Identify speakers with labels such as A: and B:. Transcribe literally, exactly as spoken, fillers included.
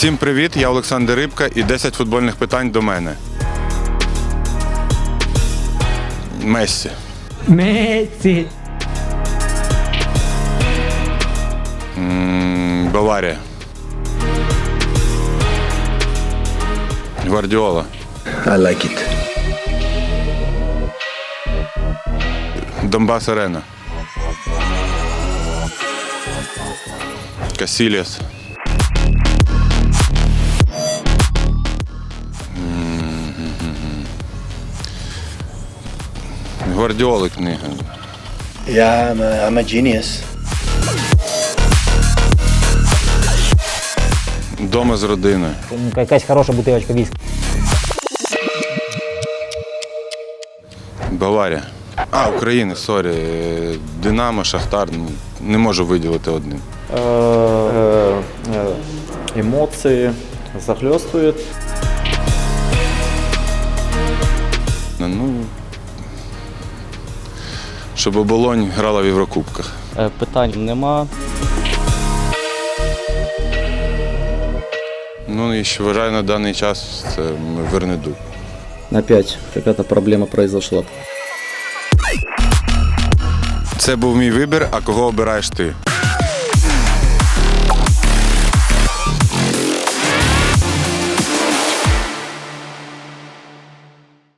A: Всім привіт, я Олександр Рибка і десять футбольних питань до мене. Мессі.
B: Мессі.
A: М, Баварія. Гвардіола.
C: I like it.
A: Донбас Арена. Касільяс. Гвардіоли книга.
C: Yeah, I'm a, I'm a genius.
A: Дома з родиною.
B: Якась хороша бутилочка віскі.
A: Баварія. А, України, сорі. Динамо, Шахтар. Ну, не можу виділити одним.
D: Эмоции захлестывают.
A: Ну, щоб Оболонь грала в Єврокубках.
D: Е, Питань нема.
A: Ну і що вважаю на даний час це Вернедуб.
E: Опять какая-то проблема произошла.
A: Це був мій вибір, а кого обираєш ти?